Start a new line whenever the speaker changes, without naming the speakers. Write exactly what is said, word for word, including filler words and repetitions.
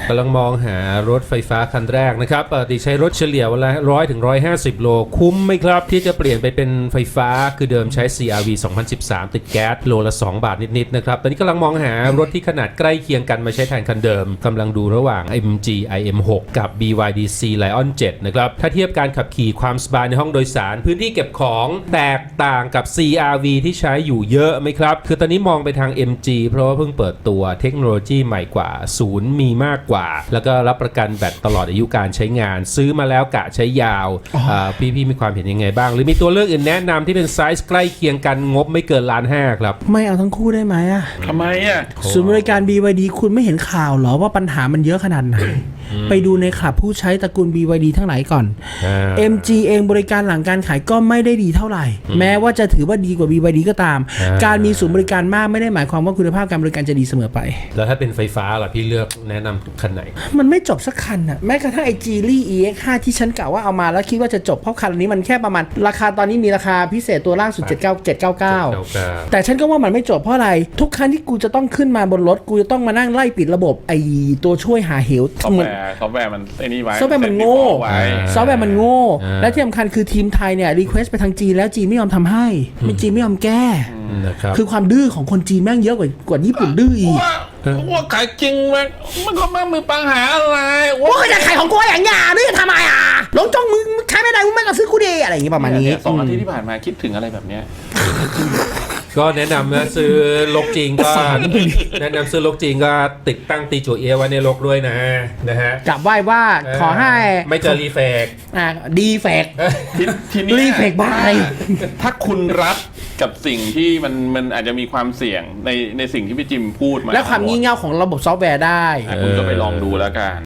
กำลังมองหารถไฟฟ้าคันแรกนะครับปกติใช้รถเฉลี่ยวันละร้อยถึงร้อยห้าสิบโลคุ้มไหมครับที่จะเปลี่ยนไปเป็นไฟฟ้าคือเดิมใช้ ซี อาร์ วี สองพันสิบสาม ติดแก๊สโลละสองบาทนิดๆนะครับตอนนี้กำลังมองหารถที่ขนาดใกล้เคียงกันมาใช้แทนคันเดิมกำลังดูระหว่าง เอ็ม จี ไอ เอ็ม หก กับ บี วาย ดี ซี Lion เจ็ดนะครับถ้าเทียบการขับขี่ความสบายในห้องโดยสารพื้นที่เก็บของแตกต่างกับ ซี อาร์ วี ที่ใช้อยู่เยอะไหมครับคือตอนนี้มองไปทาง เอ็ม จี เพราะว่าเพิ่งเปิดตัวเทคโนโลยีใหม่กว่าศูนย์มีมากกว่าแล้วก็รับประกันแบตตลอดอายุการใช้งานซื้อมาแล้วกะใช้ยาวพี่พี่มีความเห็นยังไงบ้างหรือมีตัวเลือกอื่นแนะนำที่เป็นไซส์ใกล้เคียงกันงบไม่เกินล้านห้าครับ
ไม่เอาทั้งคู่ได้ไหมอ่ะ
ทำไมอ่ะ
ศูนย์บริการ บี วาย ดี คุณไม่เห็นข่าวเหรอว่าปัญหามันเยอะขนาดไหนไปดูในคลับผู้ใช้ตระกูล บี วาย ดี ทั้งหลายก่อน เอ็ม จี เองบริการหลังการขายก็ไม่ได้ดีเท่าไหร่แม้ว่าจะถือว่าดีกว่า บี วาย ดี ก็ตามการมีศูนย์บริการมากไม่ได้หมายความว่าคุณภาพการบริการจะดีเสมอไป
แล้วถ้าเป็นไฟฟ้าล่ะพี่เลือกแนะนำคันไหน
มันไม่จบสักคันอ่ะแม้กระทั่งไอ Geely อี เอ็กซ์ ห้า ที่ฉันกะว่าเอามาแล้วคิดว่าจะจบเพราะคันนี้มันแค่ประมาณราคาตอนนี้มีราคาพิเศษตัวล่างสุดเจ็ดเก้า เจ็ดเก้าเก้าแต่ฉันก็ว่ามันไม่จบเพราะอะไรทุกครั้งที่กูจะต้องขึ้นมาบนรถกูจะต้องมานั่งไล่ปิดระบบไอตัวช่วยหาเหว
ซอฟต์แวร์ซอฟต์แวร์มันไอ้นี่ไว้
ซอฟต์แวร์มันโง่ซอฟต์แวร์มันโง่และที่สำคัญคือทีมไทยเนี่ยรีเควสต์ไปทางจีนแล้วจีนไม่ยอมทำให้ไม่จีนไม่ยอมแก้คือความดื้อของคนจีนแม่งเยอะกว่ากว่าญี่ปุ่นดื้ออีก
ว่าขายจริงมันมันก็ไม่มีปัญหาอะไร
ว่าจะขายของกูอย่างเงี้ยนี่จะทำไมอ่ะหลงจ้องมึงใช้ไม่ได้มึงไม่ก็ซื้อกูดีอะไรอย่างงี้ประมาณนี้
สองอาทิตย์ที่ผ่านมาคิดถึงอะไรแบบเนี้ย
ก็แนะนำนะซื้อลกจริงก็แนะนำซื้อลกจริงก็ติดตั้งตีจั่วเอียไว้ในลกด้วยนะนะฮะ
กลับไหว้ว่าขอให้
ไม่เจอรีเฟก
อ่าดีเฟก
ทีนี้
รีเฟกบ้าอะไร
ถ้าคุณรัฐกับสิ่งที่มันมันอาจจะมีความเสี่ยงในในสิ่งที่พี่จิมพูดมา
และความงี่เง่าของระบบซอฟต์แวร์ได้
คุณก็ไปลองดูแล้วกัน